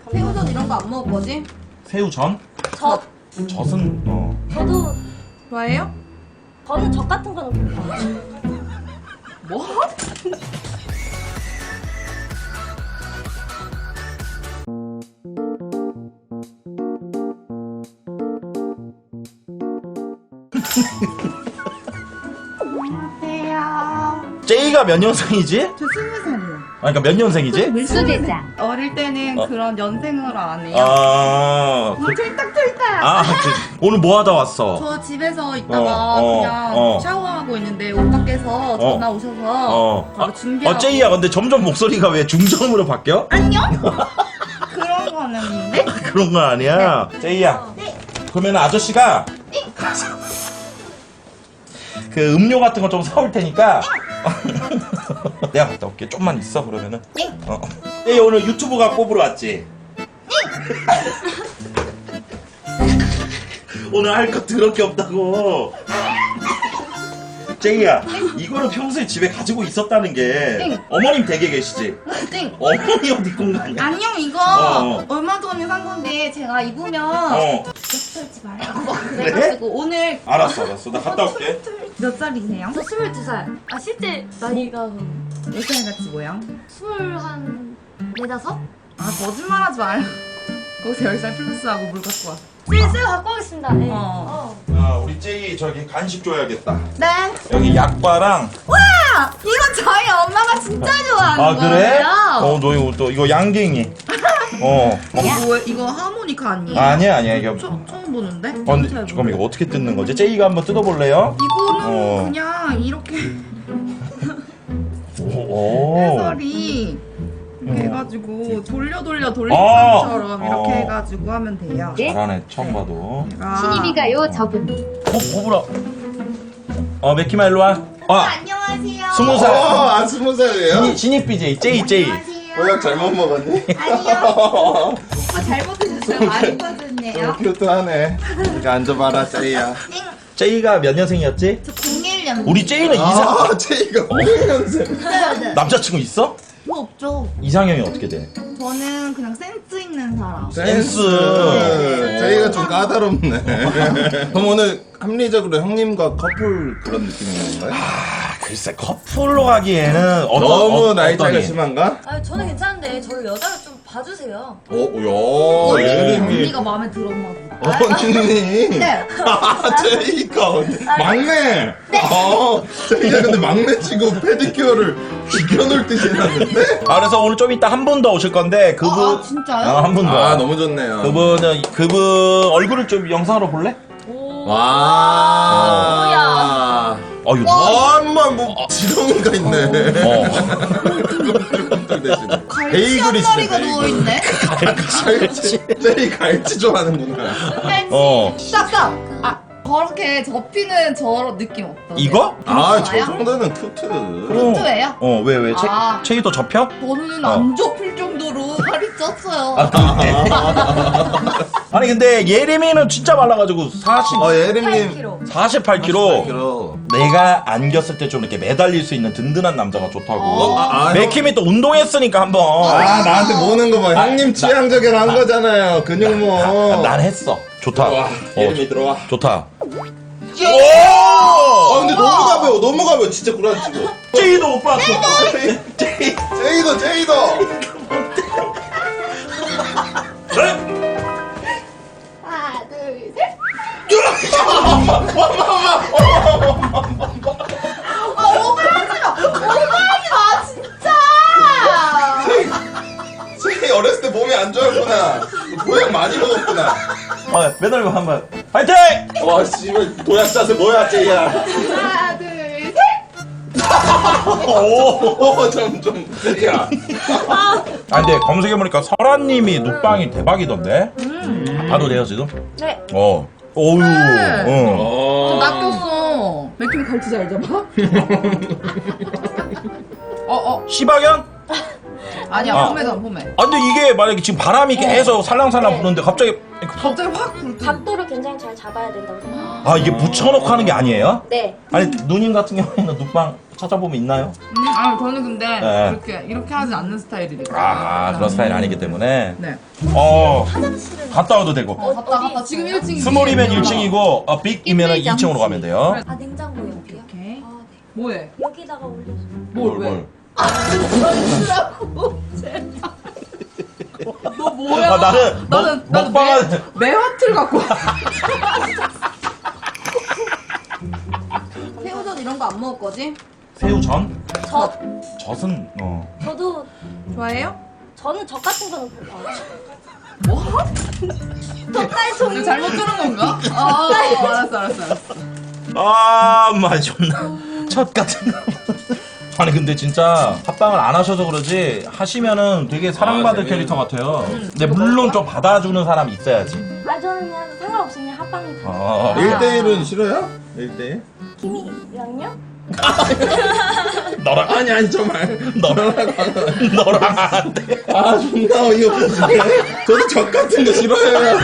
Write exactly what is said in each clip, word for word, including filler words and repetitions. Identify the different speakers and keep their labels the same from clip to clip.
Speaker 1: 새우젓 이런 거 안 먹을 거지?
Speaker 2: 새우전?
Speaker 3: 저
Speaker 2: 젖은 어.
Speaker 3: 저도
Speaker 1: 좋아해요?
Speaker 3: 저는 젓 같은 거는 괜찮아요.
Speaker 1: 뭐? 안녕하세요.
Speaker 2: 제이가 몇 년생이지?
Speaker 1: 저 스무 살이요.
Speaker 2: 아, 그러니까 몇 년생이지?
Speaker 3: 수제자.
Speaker 1: 어릴 때는
Speaker 2: 어.
Speaker 1: 그런 연생으로 안 해요.
Speaker 2: 아, 그,
Speaker 1: 툴딱툴딱.
Speaker 2: 아, 그, 오늘 뭐 하다 왔어?
Speaker 1: 저 집에서 있다가
Speaker 2: 어, 어,
Speaker 1: 그냥
Speaker 2: 어.
Speaker 1: 샤워하고 있는데 오빠께서 전화 오셔서
Speaker 2: 어,
Speaker 1: 바로 준비하고.
Speaker 2: 어, 제이야, 근데 점점 목소리가 왜 중저음으로 바뀌어?
Speaker 1: 안녕? 그런 거는 있는데?
Speaker 2: 그런 거 아니야. 제이야.
Speaker 1: 네.
Speaker 2: 그러면 아저씨가 가서 그 음료 같은 거 좀 사올 테니까 내가 갔다 올게. 좀만 있어 그러면은.
Speaker 1: 네.
Speaker 2: 어. 제이 오늘 유튜브가 뽑으러 왔지? 오늘 할 거 더럽게 없다고. 제이야, 이거는 평소에 집에 가지고 있었다는 게
Speaker 1: 응.
Speaker 2: 어머님 댁에 계시지?
Speaker 1: 땡.
Speaker 2: 어머니 옷 입고 온 거 아니야?
Speaker 1: 안녕 이거
Speaker 2: 어.
Speaker 1: 얼마 전에 산 건데 제가 입으면
Speaker 2: 어.
Speaker 1: 털지 말라고 막 그래가지고 오늘
Speaker 2: 알았어, 알았어. 나 갔다 올게.
Speaker 1: 몇 살이세요?
Speaker 3: 저 스물두 살. 아 실제 나이가
Speaker 1: 몇 살 같이 보여?
Speaker 3: 스물한 네다섯?
Speaker 1: 아 거짓말하지 말고 거기서 열 살 플러스하고 물 갖고 와.
Speaker 3: 슬슬 갖고 오겠습니다. 네.
Speaker 1: 어.
Speaker 3: 어.
Speaker 2: 아, 우리 제이 저기 간식 줘야겠다.
Speaker 1: 네.
Speaker 2: 여기 약과랑.
Speaker 1: 와 이거 저희 엄마가 진짜 좋아하는
Speaker 2: 아, 그래?
Speaker 1: 거예요.
Speaker 2: 어, 너 이거 또 이거 양갱이. 어.
Speaker 1: 이거 뭐 이거 하모니카 아니에요?
Speaker 2: 아니야, 아니야. 이게.
Speaker 1: 처, 처음 보는데?
Speaker 2: 어, 근데 잠깐만 이거 어떻게 뜯는 거지? 제이가 한번 뜯어볼래요?
Speaker 1: 이거는
Speaker 2: 어.
Speaker 1: 그냥 이렇게
Speaker 2: 오.
Speaker 1: 해설이 이렇게
Speaker 2: 어.
Speaker 1: 해가지고 돌려 돌려
Speaker 2: 아.
Speaker 1: 돌림판처럼 이렇게
Speaker 2: 어.
Speaker 1: 해가지고 하면 돼요.
Speaker 2: 잘하네, 처음 봐도.
Speaker 1: 제가
Speaker 3: 신입이가요 저분.
Speaker 2: 어, 뭐라? 어, 맥키마 일로 와. 아,
Speaker 1: 안녕하세요.
Speaker 2: 스무 살.
Speaker 4: 어, 아, 스무 살이에요?
Speaker 2: 신입, 신입 비제이, 제이, 제이.
Speaker 1: 안녕하세요.
Speaker 4: 보약 잘못 먹었니?
Speaker 1: 아니요. 오빠 잘못 드셨어요. 많이 빠졌네요.
Speaker 4: 좀 큐트하네. 이거 앉아봐라, 제이야.
Speaker 2: 제이가 몇 년생이었지?
Speaker 1: 저 공일 년.
Speaker 2: 우리 제이는 이상,
Speaker 4: 아, 제이가 오백 년생.
Speaker 1: 네.
Speaker 2: 남자친구 있어?
Speaker 1: 뭐 없죠.
Speaker 2: 이상형이 어떻게 돼?
Speaker 1: 저는 그냥 센스 있는 사람.
Speaker 2: 센스.
Speaker 4: 네, 제이가 좀 까다롭네. 그럼 오늘 합리적으로 형님과 커플 그런 느낌인 건가요?
Speaker 2: 아, 글쎄, 커플로 가기에는 어떤,
Speaker 4: 너무
Speaker 2: 어,
Speaker 4: 나이 차이가
Speaker 2: 어떠니?
Speaker 4: 심한가?
Speaker 3: 아 저는 괜찮은데 저를 여자로 좀 봐주세요.
Speaker 4: 오, 야,
Speaker 2: 네.
Speaker 4: 예림이.
Speaker 1: 언니가 마음에 들었나 보다.
Speaker 4: 언니.
Speaker 1: 네.
Speaker 4: 아, 제이가 언니. 막내. 어, 제이가 근데 막내 치고 페디큐어를 비켜놓을 듯이 해놨는데?
Speaker 2: 아, 그래서 오늘 좀 이따 한 분 더 오실 건데, 그분.
Speaker 1: 아, 진짜요?
Speaker 2: 아, 한 분 더.
Speaker 4: 아, 너무 좋네요.
Speaker 2: 그분은, 그분 얼굴을 좀 영상으로 볼래?
Speaker 3: 오.
Speaker 4: 와.
Speaker 2: 어, 이거.
Speaker 4: 아, 엄마, 뭐, 지렁이가 있네.
Speaker 2: 어.
Speaker 4: 꿈틀꿈틀 대시네.
Speaker 1: 갈치 한 마리가 누워있네.
Speaker 4: 갈치. 제이 갈치 좋아하는구나.
Speaker 2: 어.
Speaker 1: 싹싹. 아 저렇게 접히는 저 느낌 어떠세요?
Speaker 2: 이거?
Speaker 4: 아, 저
Speaker 1: 좋아요?
Speaker 4: 정도는 큐트.
Speaker 1: 큐트예요?
Speaker 2: 어, 왜, 왜? 체,
Speaker 1: 아.
Speaker 2: 체이도 접혀?
Speaker 1: 저는
Speaker 2: 어.
Speaker 1: 안 접힐 정도로 살이 쪘어요.
Speaker 2: 아니, 근데 예림이는 진짜 말라가지고 사십,
Speaker 4: 어,
Speaker 3: 팔
Speaker 4: 예림님.
Speaker 3: 킬로.
Speaker 2: 사십팔 킬로그램.
Speaker 4: 킬로.
Speaker 2: 내가 안겼을 때 좀 이렇게 매달릴 수 있는 든든한 남자가 좋다고.
Speaker 1: 어.
Speaker 4: 아, 아,
Speaker 2: 맥힘이 또 운동했으니까 한번.
Speaker 4: 아, 나한테 모는 거 봐. 형님 취향 저격 한 거잖아요. 근육 모.
Speaker 2: 난 했어. 좋다.
Speaker 4: 들어와.
Speaker 2: 어,
Speaker 4: 예림이 들어와.
Speaker 2: 좋다.
Speaker 4: 아, 근데 너무 가벼워. 너무 가벼워. 진짜 구라치고.
Speaker 2: 제이도 오빠.
Speaker 4: 제이, 제이도, 제이도.
Speaker 1: 하나 둘 셋. 아 오버하지 마. 오버하지 마 진짜.
Speaker 4: 제이 어렸을 때 몸이 안 좋았구나. 보약 많이 먹었구나.
Speaker 2: 어, 매달리고 한번. 파이팅!
Speaker 4: 와, 씨발, 도약 자세 뭐야, 제이야.
Speaker 1: 하나 둘 셋.
Speaker 2: 오.
Speaker 4: 어, 좀, 좀, 제이야.
Speaker 2: 아, 근데 검색해보니까 설아님이 눕방이 대박이던데? 봐도 돼요, 지금?
Speaker 3: 네.
Speaker 2: 어. 오우.
Speaker 1: 네.
Speaker 2: 어.
Speaker 4: 어.
Speaker 1: 낚였어. 맥힘이 갈치 잘 잡아? 어 어.
Speaker 2: 시바견?
Speaker 1: 아니야
Speaker 2: 아.
Speaker 1: 폼에도 안 폼에.
Speaker 2: 아, 근데 이게 만약에 지금 바람이 계속 살랑살랑
Speaker 3: 네.
Speaker 2: 부는데 갑자기.
Speaker 1: 갑자기 확 불뜨.
Speaker 3: 각도를 굉장히 잘 잡아야 된다고 생각해요.
Speaker 2: 아, 이게 붙여놓고 하는 게 아니에요?
Speaker 3: 네.
Speaker 2: 아니, 누님 같은 경우에는 눕방 찾아보면 있나요?
Speaker 1: 음, 아 저는 근데
Speaker 2: 네.
Speaker 1: 이렇게 이렇게 하지 않는 스타일이니까.
Speaker 2: 아 그런 스타일 아니기 때문에.
Speaker 1: 네.
Speaker 2: 어
Speaker 3: 화장실은
Speaker 2: 갔다 와도 되고.
Speaker 1: 어 갔다 갔다 지금 일 층.
Speaker 2: 스몰이면 일 층이고 어, 빅이면 이 층으로 가면 돼요.
Speaker 3: 아 냉장고 옆이요?
Speaker 1: 오케이.
Speaker 3: 아 네.
Speaker 1: 뭐해?
Speaker 3: 여기다가 올려줘.
Speaker 1: 뭘 왜? 너 뭐야?
Speaker 2: 아, 나는
Speaker 1: 나는
Speaker 2: 먹-
Speaker 1: 나는
Speaker 2: 먹방은-
Speaker 1: 매, 매화틀 갖고 와. 새우젓 이런 거 안 먹을 거지?
Speaker 2: 새우전?
Speaker 3: 저
Speaker 2: 젖은 어.
Speaker 3: 저도
Speaker 1: 좋아해요?
Speaker 3: 저는 젓 같은 거는 별로 안
Speaker 1: 뭐?
Speaker 3: 젓갈 종류.
Speaker 1: 이거 잘못 들은 건가? 아 알았어 알았어 알았어.
Speaker 2: 아, 마 존나 첫 같은 거. 아니 근데 진짜 합방을 안 하셔서 그러지 하시면은 되게 사랑받을
Speaker 4: 아,
Speaker 2: 캐릭터 같아요. 근데 물론 좀 받아주는 사람이 있어야지.
Speaker 3: 아 저는 그냥 상관없이 그냥 합방이 다.
Speaker 2: 어.
Speaker 4: 일 대일은 싫어요? 일 대일?
Speaker 3: 김이랑요?
Speaker 2: 너랑
Speaker 4: 아니 아니 정말
Speaker 2: 너랑 너랑 안 돼.
Speaker 4: 아 존나 어이없네. 저도 적 같은 거 싫어해요.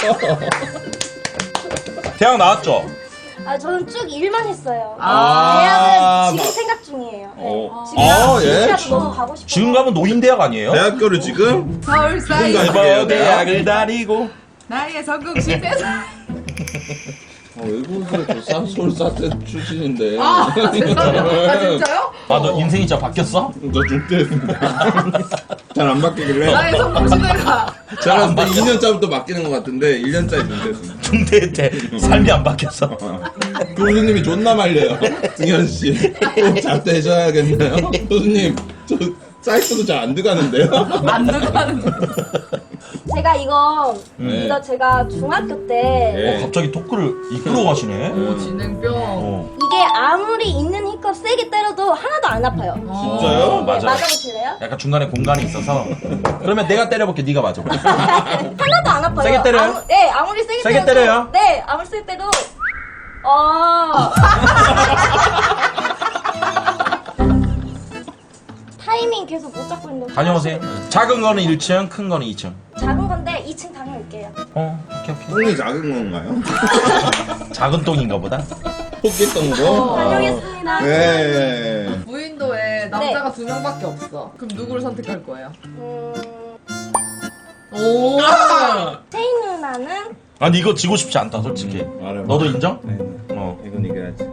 Speaker 2: 대학 나왔죠?
Speaker 3: 아 저는 쭉 일만 했어요.
Speaker 2: 아,
Speaker 3: 대학은 지금
Speaker 2: 마-
Speaker 3: 생각 중이에요. 네.
Speaker 4: 어.
Speaker 3: 지금
Speaker 4: 아, 예?
Speaker 3: 지금이라도 너무 가고 싶어요.
Speaker 2: 지금 가면 노인대학 아니에요?
Speaker 4: 대학교를 지금
Speaker 1: 서울 사이
Speaker 4: 지금 가요?
Speaker 2: 일본 대학을 다니고
Speaker 1: 나의 성공 실패서.
Speaker 4: 아, 외국에서 저 서울 사태 출신인데.
Speaker 1: 아 죄송해요. 아 진짜요?
Speaker 2: 아 너 인생이 진짜 바뀌었어?
Speaker 4: 저 중퇴했습니다. 잘 안 바뀌길래.
Speaker 1: 나의 성공 실패가.
Speaker 4: 저는 한 이 년 차부터 바뀌는 것 같은데 일 년 차에 중퇴했습니다.
Speaker 2: 중대 때 삶이 안 바뀌었어.
Speaker 4: 교수님이 존나 말려요. 승현 씨, 꼭 자퇴하셔야겠나요? 교수님, 저 사이트도 잘 안 들어가는데요?
Speaker 1: 안 들어가는 거.
Speaker 3: 제가 이거
Speaker 4: 네.
Speaker 3: 이거 제가 중학교 때
Speaker 4: 네.
Speaker 2: 어, 갑자기 토크를 이끌어 가시네.
Speaker 1: 오 진행병.
Speaker 2: 어.
Speaker 3: 이게 아무리 있는 힘껏 세게 때려도 하나도 안 아파요.
Speaker 4: 진짜요?
Speaker 2: 어,
Speaker 3: 네,
Speaker 2: 맞아.
Speaker 3: 맞아보실래요?
Speaker 2: 약간 중간에 공간이 있어서. 그러면 내가 때려볼게. 네가 맞아.
Speaker 3: 하나도 안 아파요.
Speaker 2: 세게 때려요?
Speaker 3: 아무, 네, 아무리 세게,
Speaker 2: 세게
Speaker 3: 때려도,
Speaker 2: 때려요?
Speaker 3: 네, 아무리 세게 때려도 어. 타이밍 계속 못 잡고 있는데
Speaker 2: 다녀오세요. 작은 거는 일 층, 큰 거는 이 층.
Speaker 3: 작은 건데 이 층 다녀올게요.
Speaker 2: 어, 오케이, 오케이.
Speaker 4: 똥이 작은 건가요?
Speaker 2: 작은 똥인가 보다.
Speaker 4: 포켓똥으로?
Speaker 3: 다녀오겠습니다.
Speaker 4: 네.
Speaker 1: 무인도에 남자가 두 명밖에 없어. 그럼 누구를 선택할 거예요?
Speaker 3: 음,
Speaker 1: 오.
Speaker 3: 세인 누나는
Speaker 2: 아니 이거 지고 싶지 않다, 솔직히.
Speaker 4: 말해봐.
Speaker 2: 너도 인정?
Speaker 4: 네.
Speaker 2: 어.
Speaker 4: 이건 이겨야지.